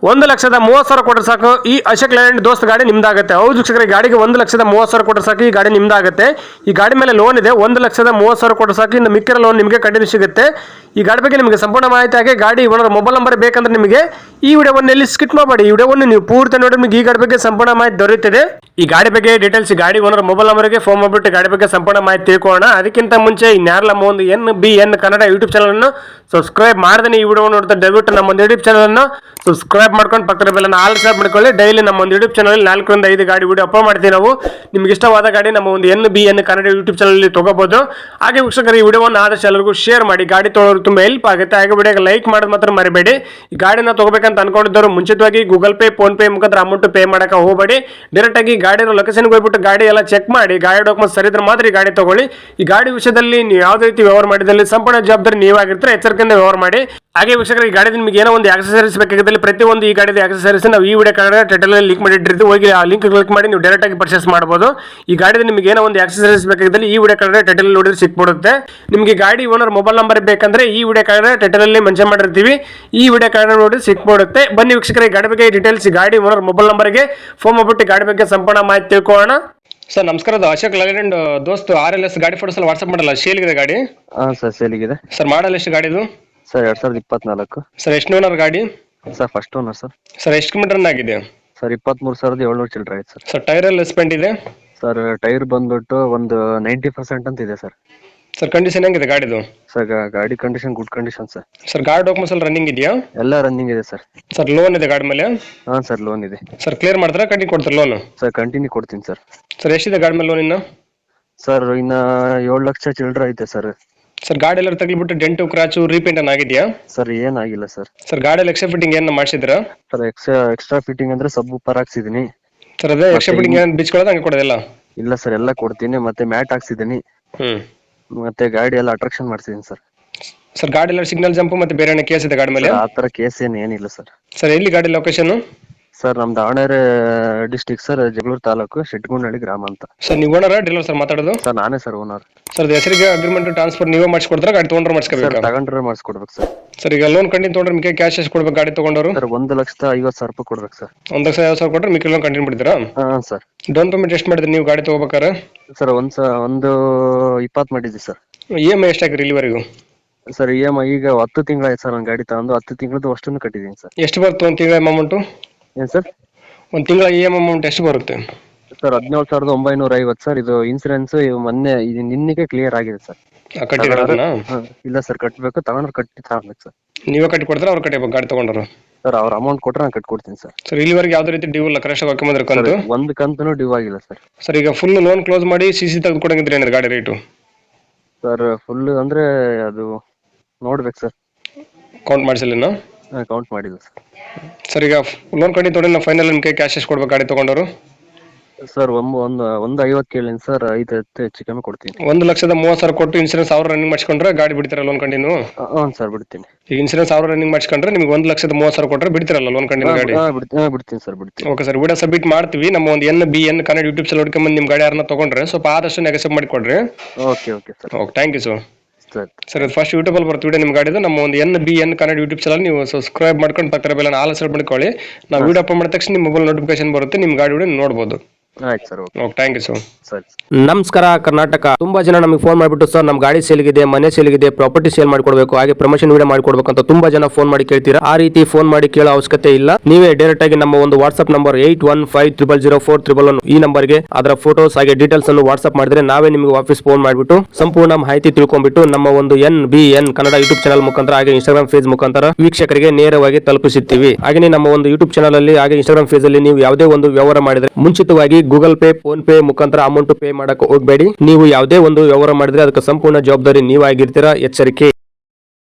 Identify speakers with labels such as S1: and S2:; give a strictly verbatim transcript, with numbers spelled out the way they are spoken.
S1: ಒಂದು ಲಕ್ಷದ ಮೂವತ್ತು ಸಾವಿರ ಕೊಟ್ಟರೆ ಸಾಕು ಈ ಅಶೋಕ್ ಲೇಲ್ಯಾಂಡ್ ದೋಸ್ತ್ ಗಾಡಿ ನಿಮ್ದಾಗುತ್ತೆ. ಹೌದು ವೀಕ್ಷಕರೇ, ಗಾಡಿಗೆ ಒಂದು ಲಕ್ಷದ ಮೂವತ್ತು ಸಾವಿರ ಕೊಟ್ಟರೆ ಸಾಕು ಈ ಗಾಡಿ ನಿಮ್ದಾಗುತ್ತೆ. ಈ ಗಾಡಿ ಮೇಲೆ ಲೋನ್ ಇದೆ. ಒಂದು ಲಕ್ಷದ ಮೂವತ್ತು ಸಾವಿರ ಕೊಟ್ಟರೆ ಸಾಕು, ಇನ್ನು ಮಿಕ್ಕಿರೋ ಲೋನ್ ನಿಮಗೆ ಕಂಟಿನ್ಯೂ ಸಿಗುತ್ತೆ. ಈ ಗಾಡಿ ಬಗ್ಗೆ ನಿಮಗೆ ಸಂಪೂರ್ಣ ಮಾಹಿತಿ ಹಾಗೆ ಗಾಡಿ ಓನರ್ ಮೊಬೈಲ್ ನಂಬರ್ ಬೇಕಂದ್ರೆ ನಿಮಗೆ ಈ ವಿಡಿಯೋವನ್ನು ಎಲ್ಲಿ ಸ್ಕಿಪ್ ಮಾಡಬೇಡಿ. ಈ ವಿಡಿಯೋವನ್ನು ನೀವು ಪೂರ್ತಿ ನೋಡಿ ನಿಮಗೆ ಈ ಗಾಡಿ ಬಗ್ಗೆ ಸಂಪೂರ್ಣ ಮಾಹಿತಿ ದೊರೆಯುತ್ತದೆ. ಈ ಗಾಡಿ ಬಗ್ಗೆ ಡೀಟೇಲ್ಸ್ ಗಾಡಿ ಓನರ್ ಮೊಬೈಲ್ ನಂಬರ್ಗೆ ಫೋನ್ ಮಾಡಿಬಿಟ್ಟು ಗಾಡಿ ಬಗ್ಗೆ ಸಂಪೂರ್ಣ ಮಾಹಿತಿ ತಿಳ್ಕೊಳ್ಳೋಣ. ಅದಕ್ಕಿಂತ ಮುಂಚೆ ಇನ್ಯಾರಲ್ಲ ನಮ್ಮ ಒಂದು N B N Kannada YouTube channel ಅನ್ನು ಸಬ್ಸ್ಕ್ರೈಬ್ ಮಾಡದೇ ಈ ವಿಡಿಯೋ ನೋಡ್ತಾ ದಯವಿಟ್ಟು ನಮ್ಮ ಒಂದು ಯೂಟ್ಯೂಬ್ ಚಾನಲ್ ಅನ್ನು ಸಬ್ಸ್ಕ್ರೈಬ್ ಮಾಡ್ಕೊಂಡು ಪಕ್ಕದ ಬೆಲ್ಲನ್ನು ಆಲ್ ಸಬ್ ಮಾಡ್ಕೊಳ್ಳಿ. ಡೈಲಿ ನಮ್ಮ ಒಂದು ಯೂಟ್ಯೂಬ್ ಚಾನಲ್ ನಾಲ್ಕರಿಂದ ಐದು ಗಾಡಿ ವಿಡಿಯೋ ಅಪ್ಲೋಡ್ ಮಾಡ್ತೀವಿ ನಾವು. ನಿಮ್ಗೆ ಇಷ್ಟವಾದ ಗಾಡಿ ನಮ್ಮ ಒಂದು N B N Kannada YouTube channel ತಗೋಬಹುದು. ಹಾಗೆ ವೀಕ್ಷಕರು, ಈ ವಿಡಿಯೋವನ್ನು ಆದಷ್ಟು ಎಲ್ಲರಿಗೂ ಶೇರ್ ಮಾಡಿ. ಗಾಡಿ ತೊಗೊಳೋರು ತುಂಬಾ ಹೆಲ್ಪ್ ಆಗುತ್ತೆ. ಹಾಗೆ ವಿಡಿಯೋಗೆ ಲೈಕ್ ಮಾಡೋದು ಮಾತ್ರ ಮರಿಬೇಡಿ. ಈ ಗಾಡಿನ ತಗೋಬೇಕಂತ ಅನ್ಕೊಂಡಿದ್ದವರು ಮುಂಚಿತವಾಗಿ ಗೂಗಲ್ ಪೇ ಫೋನ್ ಪೇ ಮುಖಾಂತರ ಅಮೌಂಟ್ ಪೇ ಮಾಡಕ್ಕೆ ಹೋಗಬೇಡಿ. ಡೈರೆಕ್ಟ್ ಆಗಿ ಗಾಡಿ ಲೊಕೇಶನ್ಗೆ ಹೋಗ್ಬಿಟ್ಟು ಗಾಡಿ ಎಲ್ಲ ಚೆಕ್ ಮಾಡಿ ಗಾಡಿ ಡಾಕ್ಯುಮೆಂಟ್ಸ್ ಸರಿ ಇದ್ರೆ ಮಾತ್ರ ಈ ಗಾಡಿ ತಗೊಳ್ಳಿ. ಈ ಗಾಡಿ ವಿಷಯದಲ್ಲಿ ನೀವು ಯಾವುದೇ ರೀತಿ ವ್ಯವಹಾರ ಮಾಡಿದಲ್ಲಿ ಸಂಪೂರ್ಣ ಜವಾಬ್ದಾರಿ ನೀವಾಗಿರ್ತಾರೆ. ಎಚ್ಚರಿಕೆಯಿಂದ ವ್ಯವಹಾರ ಮಾಡಿ. ಹಾಗೆ ವೀಕ್ಷಕರು, ಈ ಗಾಡಿ ನಿಮಗೆ ಏನೋ ಒಂದು ಆಕ್ಸೆಸರೀಸ್ ಬೇಕಾಗಿದ್ದಲ್ಲಿ ಪ್ರತಿಯೊಂದು ಈ ಗಾಡಿದ ಆಕ್ಸೆಸರೀಸ್ ನಾವು ಈ ವಿಡಿಯೋ ಕಾರ್ಡ್ ಟೈಟಲ್ ಲಿಂಕ್ ಮಾಡಿಟ್ಟಿರ್ತೀವಿ. ಹೋಗಿ ಆ ಲಿಂಕ್ ಕ್ಲಿಕ್ ಮಾಡಿ ನೀವು ಡೈರೆಕ್ಟ್ ಆಗಿ ಪರ್ಚೇಸ್ ಮಾಡಬಹುದು. ಈ ಗಾಡಿದ ನಿಮಗೆ ಏನೋ ಒಂದು ಆಕ್ಸೆಸರೀಸ್ ಬೇಕಾಗಿದ್ದಲ್ಲಿ ಈ ವಿಡಿಯೋ ಕಾರ್ಡ್ ಟೈಟಲ್ ನೋಡಿದ್ರೆ ಸಿಕ್ಬಿಡುತ್ತೆ. ನಿಮಗೆ ಗಾಡಿ ಓನರ್ ಮೊಬೈಲ್ ನಂಬರ್ ಬೇಕಂದ್ರೆ ಈ ವಿಡಿಯೋ ಕಾರ್ಡ್ ಟೈಟಲ್ ಅಲ್ಲಿ ಮೆನ್ಷನ್ ಮಾಡಿರ್ತೀವಿ. ಈ ವಿಡಿಯೋ ಕಾರ್ಡ್ ನೋಡಿ ಸಿಕ್ಬಿಡುತ್ತೆ. ಬನ್ನಿ ವೀಕ್ಷಕರೇ, ಗಾಡಿ ಬಗ್ಗೆ ಡೀಟೇಲ್ಸ್ ಗಾಡಿ ಓನರ್ ಮೊಬೈಲ್ ನಂಬರ್ಗೆ ಫೋನ್ ಮಾಡ್ಬಿಟ್ಟು ಗಾಡಿ ಬಗ್ಗೆ ಸಂಪೂರ್ಣ ಮಾಹಿತಿ ತಿಳ್ಕೊಳ್ಳೋಣ. ಸರ್ ನಮಸ್ಕಾರ, Ashok Leyland Dost R L S ಗಾಡಿ ಫೋಟೋಸ್ ಎಲ್ಲ ವಾಟ್ಸ್ಆಪ್ ಮಾಡಲ್ಲ, ಸೇಲ್ಗಿದೆ ಗಾಡಿ?
S2: ಹಾಂ ಸರ್, ಸೇಲಿಗಿದೆ
S1: ಸರ್. ಮಾಡಲ್ ಎಷ್ಟು ಗಾಡಿದು?
S2: ಸರ್ ಎರಡ್ ಸಾವಿರದ ಇಪ್ಪತ್ನಾಲ್ಕು.
S1: ಸರ್ ಎಷ್ಟು ಓನರ್ ಗಾಡಿ?
S2: Sir first owner sir.
S1: Sir ಎಷ್ಟು ಕಿಲೋಮೀಟರ್ ರನ್ ಆಗಿದೆ?
S2: ಸರ್ ಇಪ್ಪತ್ಮೂರು ಸಾವಿರದ ಏಳ್ನೂರು ಚಿಲ್ಲರೆ ಆಯ್ತು ಸರ್.
S1: ಸರ್ ಟೈರ್ ಎಲ್ಲ ಸ್ಪೆಂಟ್ ಇದೆ?
S2: ಸರ್ ಟೈರ್ ಬಂದ್ಬಿಟ್ಟು ಒಂದು ನೈಂಟಿ ಪರ್ಸೆಂಟ್ ಅಂತ ಇದೆ ಸರ್.
S1: ಸರ್ ಕಂಡೀಷನ್ ಹೆಂಗಿದೆ ಗಾಡಿದು?
S2: ಸರ್ ಗಾಡಿ condition good condition sir.
S1: Sir ಗಾಡಿ ಡಾಕ್ಯುಮೆಂಟ್ಸ್ ಎಲ್ಲ ರನ್ನಿಂಗ್ ಇದೆಯಾ?
S2: ಎಲ್ಲ ರನ್ನಿಂಗ್ ಇದೆ ಸರ್.
S1: ಸರ್ ಲೋನ್ ಇದೆ ಗಾಡಿ ಮೇಲೆ?
S2: ಹಾಂ ಸರ್, ಲೋನ್ ಇದೆ.
S1: ಸರ್ ಕ್ಲಿಯರ್ ಮಾಡ್ತಾರಾ ಕಂಟಿನ್ಯೂ ಕೊಡ್ತಾರೆ ಲೋನ್?
S2: ಸರ್ ಕಂಟಿನ್ಯೂ ಕೊಡ್ತೀನಿ ಸರ್.
S1: ಸರ್ ಎಷ್ಟಿದೆ ಗಾಡಿ ಮೇಲೆ ಲೋನ್ ಇನ್ನು?
S2: ಸರ್ ಇನ್ನ ಏಳು ಲಕ್ಷ ಚಿಲ್ಲರೆ ಐತೆ ಸರ್.
S1: ಸರ್ ಗಾಡಿ ಎಲ್ಲ ತಗ್ಲಿಬಿಟ್ಟು ಡೆಂಟು ಕ್ರಾಚು ರೀಪೇಂಟ್ ಅನ್ನ ಆಗಿದೆಯಾ?
S2: ಸರ್ ಏನಾಗಿಲ್ಲ ಸರ್.
S1: ಸರ್ ಗಾಡಿಯಲ್ಲಿ ಎಕ್ಸ್ಟ್ರಾ ಫಿಟ್ಟಿಂಗ್ ಏನು ಮಾಡಿಸಿದ್ರಾ?
S2: ಸರ್ ಎಕ್ಸ್ಟ್ರಾ ಎಕ್ಸ್ಟ್ರಾ ಫಿಟ್ಟಿಂಗ್ ಅಂದ್ರೆ ಸಬ್ ಉಪ್ಪರ್ ಹಾಕ್ಸಿದೀನಿ
S1: ಸರ್. ಅದೇ ಎಕ್ಸ್ಟ್ರಾ ಫಿಟ್ಟಿಂಗ್ ಏನು ಬಿಚ್ಕೊಳ್ಳೋದು ಹಂಗೆ ಕೊಡೋದಿಲ್ಲ?
S2: ಇಲ್ಲ ಸರ್, ಎಲ್ಲ ಕೊಡ್ತೀನಿ. ಮತ್ತೆ ಮ್ಯಾಟ್ ಹಾಕ್ಸಿದೀನಿ.
S1: ಹ್ಮ್.
S2: ಮತ್ತೆ ಗಾಡಿ ಎಲ್ಲ ಅಟ್ರಾಕ್ಷನ್ ಮಾಡಿಸಿದೀನಿ ಸರ್.
S1: ಸರ್ ಗಾಡಿ ಎಲ್ಲ ಸಿಗ್ನಲ್ ಜಂಪ್ ಮತ್ತೆ ಬೇರೆ ಕೇಸ್ ಇದೆ ಗಾಡಿ ಮೇಲೆ?
S2: ಆ ತರ ಕೇಸ್ ಏನು ಏನಿಲ್ಲ ಸರ್.
S1: ಸರ್ ಎಲ್ಲಿ ಗಾಡಿ ಲೊಕೇಶನ್?
S2: ಸರ್ ನಮ್ ದಾವಣಗೆರೆ ಡಿಸ್ಟಿಕ್ ಸರ್, ಜಗಳೂರು ತಾಲೂಕು, ಶೆಟ್ಗುಂಡಳ್ಳಿ ಗ್ರಾಮ ಅಂತ.
S1: ಸರ್ ನೀವು ಓನರ್ ಡೀಲರ್ ಸರ್ ಮಾತಾಡೋದು?
S2: ಸರ್ ನಾನೇ ಸರ್ ಓನರ್.
S1: ಸರ್ ಹೆಸರಿಗೆ ಅಗ್ರಿಮೆಂಟ್ ಟ್ರಾನ್ಸ್ಫರ್ ನೀವೇ ಮಾಡಿಸ್ಕೊಡ್ತಾರ ಗಾಡಿ ತೊಗೊಂಡ್ರೆ ಮಾಡಿಸ್ಕೋಬೇಕು?
S2: ತಗೊಂಡ್ರೆ ಮಾಡಿಸ್ಕೊಡ್ಬೇಕು ಸರ್.
S1: ಸರ್ ಈಗ ಲೋನ್ ಕಂಟಿನ್ಯೂ ತೊಗೊಂಡ್ರೆ ನಿಮಗೆ ಕ್ಯಾಶ್ ಎಷ್ಟು ಕೊಡ್ಬೇಕು ಗಾಡಿ ತಗೊಂಡವರು?
S2: ಸರ್ ಒಂದು ಲಕ್ಷದ ಐವತ್ತು ಸಾವಿರ ರೂಪಾಯಿ ಕೊಡ್ಬೇಕು ಸರ್.
S1: ಒಂದು ಲಕ್ಷ ಐವತ್ತು ಸಾವಿರ ಕೊಟ್ಟರೆ ಮಿಕ್ಕಿ ಲೋನ್ ಕಂಟಿನ್ಯೂ ಬಿಡ್ತೀರಾ?
S2: ಹಾಂ ಸರ್.
S1: ಡೌನ್ ಪೇಮೆಂಟ್ ಎಷ್ಟು ಮಾಡಿದ್ರಿ ನೀವು ಗಾಡಿ ತಗೋಬೇಕಾರೆ?
S2: ಸರ್ ಒಂದ್ ಸ ಒಂದು ಇಪ್ಪತ್ತು ಮಾಡಿದ್ವಿ ಸರ್.
S1: ಇ ಎಮ್ ಐ ಎಷ್ಟು ಹಾಕಿರಿ ಇಲ್ಲಿವರೆಗೂ?
S2: ಸರ್ ಇ ಎಮ್ ಐ ಈಗ ಹತ್ತು ತಿಂಗಳಾಯ್ತು ಸರ್. ಒಂದು ಗಾಡಿ ತಗೊಂಡು ಹತ್ತು ತಿಂಗಳದ್ದು ಅಷ್ಟನ್ನು ಕಟ್ಟಿದ್ದೀನಿ ಸರ್.
S1: ಎಷ್ಟು ಬರುತ್ತೆ ಒಂದು ತಿಂಗಳ ಅಮೌಂಟು? ಏನು
S2: ಸರ್?
S1: ಒಂದು ತಿಂಗಳ ಇ ಎಮ್ ಅಮೌಂಟ್ ಎಷ್ಟು ಬರುತ್ತೆ?
S2: ಸರ್ ಹದಿನೇಳು ಸಾವಿರದ ಒಂಬೈನೂರ ಐವತ್ತು ಸರ್. ಇದು ಇನ್ಸೂರೆನ್ಸ್ ಮೊನ್ನೆ ಇದು ನಿನ್ನೆಗೆ ಕ್ಲಿಯರ್ ಆಗಿದೆ ಸರ್.
S1: ಕಟ್ಟಿದ್ರಾ?
S2: ಇಲ್ಲ ಸರ್, ಕಟ್ಟಬೇಕು. ತಗೊಂಡ್ರೆ ಕಟ್ಟಿ ತಗೊಳ್ಬೇಕು ಸರ್.
S1: ನೀವೇ ಕಟ್ಟಿ ಕೊಡ್ತಾರೆ ಅವ್ರು ಕಟ್ಟಿಬೇಕು ಗಾಡಿ ತಗೊಂಡ್ರು?
S2: ಸರ್ ಅವ್ರ ಅಮೌಂಟ್ ಕೊಟ್ರೆ ನಾನು ಕಟ್ಕೊಡ್ತೀನಿ ಸರ್.
S1: ಸರ್ ಇಲ್ಲಿವರೆಗೆ ಯಾವುದೇ ರೀತಿ ಡ್ಯೂ ಇಲ್ಲ, ಕರೆಕ್ಟ್ ಹಾಕೊಂಡ್ರೆ ಕಂತು?
S2: ಒಂದು ಕಂತನು ಡ್ಯೂ ಆಗಿಲ್ಲ ಸರ್.
S1: ಸರ್ ಈಗ ಫುಲ್ ಲೋನ್ ಕ್ಲೋಸ್ ಮಾಡಿ ಸಿ ಸಿ ತೆಗೆದು ಕೊಡಂಗಿದ್ರೆ ಏನಿದೆ ಗಾಡಿ ರೇಟು?
S2: ಸರ್ ಫುಲ್ ಅಂದ್ರೆ ಅದು ನೋಡ್ಬೇಕು ಸರ್.
S1: ಕೌಂಟ್ ಮಾಡಿಸಲಿನ?
S2: ಕೌಂಟ್ ಮಾಡಿಲ್ಲ ಸರ್.
S1: ಸರ್ ಈಗ ಲೋನ್ ಕಂಡು ತೊಗೊಂಡು ನಾವು ಫೈನಲ್ ನಿಮಗೆ ಕ್ಯಾಶ್ ಎಷ್ಟು ಕೊಡ್ಬೇಕು ಗಾಡಿ ತಗೊಂಡವರು?
S2: ಸರ್ ಒಂದು ಒಂದು ಒಂದು ಐವತ್ತು ಕೇಳಿನಿ ಸರ್. ಐದು ಹತ್ತು ಹೆಚ್ಚು ಕಮ್ಮಿ ಕೊಡ್ತೀನಿ.
S1: ಒಂದು ಲಕ್ಷದ ಮೂವತ್ತು ಸಾವಿರ ಕೊಟ್ಟು ಇನ್ಸೂರೆನ್ಸ್ ಸಾವಿರ ರನ್ನಿಂಗ್ ಮಾಡಿಸ್ಕೊಂಡ್ರೆ ಗಾಡಿ ಬಿಡ್ತೀರಾ ಲೋನ್ ಕಂಟಿನ್ಯೂ?
S2: ಹಾಂ ಸರ್, ಬಿಡ್ತೀನಿ.
S1: ಈಗ ಇನ್ಸೂರೆನ್ಸ್ ಸಾವಿರ ರನ್ನಿಂಗ್ ಮಾಡಿಸ್ಕೊಂಡ್ರೆ ನಿಮ್ಗೆ ಒಂದು ಲಕ್ಷದ ಮೂವತ್ತು ಸಾವಿರ ಕೊಟ್ಟರೆ ಬಿಡ್ತೀರಲ್ಲ ಲೋನ್ ಕಂಟಿನ್ಯೂ ಗಾಡಿ?
S2: ಹಾಂ ಬಿಡ್ತೀನಿ ಸರ್, ಬಿಡ್ತೀನಿ.
S1: ಓಕೆ ಸರ್, ವಿಡಿಯೋ ಸಬ್ಮಿಟ್ ಮಾಡ್ತೀವಿ. ನಮ್ಮ ಒಂದು N B N Kannada YouTube channel ಹುಡ್ಕೊಂಬಂದು ನಿಮ್ಮ ಗಾಡಿ ಯಾರನ್ನ ತೊಗೊಂಡ್ರೆ ಸ್ವಲ್ಪ ಆದಷ್ಟು ನೆಗೆಸಪ್ ಮಾಡಿಕೊಡ್ರಿ.
S2: Okay okay sir.
S1: Okay, thank you sir.
S2: Sir
S1: sir ಇದು ಫಸ್ಟ್ ಯೂಟ್ಯೂಬಲ್ಲಿ ಬರ್ತೀವಿ ವಿಡಿಯೋ ನಿಮ್ಮ ಗಾಡಿದು. ನಮ್ಮ ಒಂದು N B N Kannada YouTube channel ನೀವು ಸಬ್ಸ್ಕ್ರೈಬ್ ಮಾಡ್ಕೊಂಡು ಪಕ್ಕದ ಬೆಲ್ಲ ಆಲ್ ಸೆಟ್ ಮಾಡ್ಕೊಳ್ಳಿ. ನಾವು ವಿಡಿಯೋ ಅಪ್ಲೋಡ್ ಮಾಡಿದ ತಕ್ಷಣ ನಿಮ್ಮ ಮೊಬೈಲ್ ನೋಟಿಫಿಕೇಶನ್ ಬರುತ್ತೆ, ನಿಮ್ಮ ಗಾಡಿ ವಿಡಿಯೋ ನೋಡ್ಬೋದು.
S2: ಆಯ್ತು sir.
S1: Okay, thank you sir.
S2: ಸರಿ.
S1: ನಮಸ್ಕಾರ ಕರ್ನಾಟಕ. ತುಂಬಾ ಜನ ನಮಗೆ ಫೋನ್ ಮಾಡಿಬಿಟ್ಟು ಸರ್ ನಮ್ಮ ಗಾಡಿ ಸೇಲ್ಗಿದೆ, ಮನೆ ಸೇಲ್ಗಿದೆ, ಪ್ರಾಪರ್ಟಿ ಸೇಲ್ ಮಾಡ್ಕೊಡ್ಬೇಕು, ಹಾಗೆ ಪ್ರಮೋಷನ್ ವಿಡಿಯೋ ಮಾಡ್ಕೊಡ್ಬೇಕು ಅಂತ ತುಂಬಾ ಜನ ಫೋನ್ ಮಾಡಿ ಕೇಳ್ತೀರಾ. ಆ ರೀತಿ ಫೋನ್ ಮಾಡಿ ಕೇಳೋ ಅವಶ್ಯಕತೆ ಇಲ್ಲ. ನೀವೇ ಡೈರೆಕ್ಟ್ ಆಗಿ ನಮ್ಮ ಒಂದು WhatsApp number eight one five triple zero four triple one ಈ ನಂಬರ್ಗೆ ಅದರ ಫೋಟೋಸ್ ಹಾಗೆ ಡೀಟೇಲ್ಸ್ ಅನ್ನು ವಾಟ್ಸ್ಆಪ್ ಮಾಡಿದ್ರೆ ನಾವೇ ನಿಮಗೆ ವಾಪಸ್ ಫೋನ್ ಮಾಡಿಬಿಟ್ಟು ಸಂಪೂರ್ಣ ಮಾಹಿತಿ ತಿಳ್ಕೊಂಡ್ಬಿಟ್ಟು ನಮ್ಮ ಒಂದು N B N Kannada YouTube channel ಮುಖಾಂತರ ಹಾಗೆ ಇನ್ಸ್ಟಾಗ್ರಾಮ್ ಪೇಜ್ ಮುಖಾಂತರ ವೀಕ್ಷಕರಿಗೆ ನೇರವಾಗಿ ತಲುಪಿಸುತ್ತೀವಿ. ಹಾಗೆ ನಮ್ಮ ಒಂದು ಯೂಟ್ಯೂಬ್ ಚಾನಲ್ ಅಲ್ಲಿ ಹಾಗೆ ಇನ್ಸ್ಟಾಗ್ರಾಮ್ ಪೇಜ್ ಅಲ್ಲಿ ನೀವು ಯಾವುದೇ ಒಂದು ವ್ಯವಹಾರ ಮಾಡಿದ್ರೆ ಮುಂಚಿತವಾಗಿ ಗೂಗಲ್ ಪೇ ಫೋನ್ ಪೇ ಮುಖಾಂತರ ಅಮೌಂಟ್ ಪೇ ಮಾಡಕ್ಕೆ ಹೋಗಬೇಡಿ. ನೀವು ಯಾವುದೇ ಒಂದು ವ್ಯವಹಾರ ಮಾಡಿದ್ರೆ ಅದಕ್ಕೆ ಸಂಪೂರ್ಣ ಜವಾಬ್ದಾರಿ ನೀವಾಗಿರ್ತೀರಾ. ಎಚ್ಚರಿಕೆ.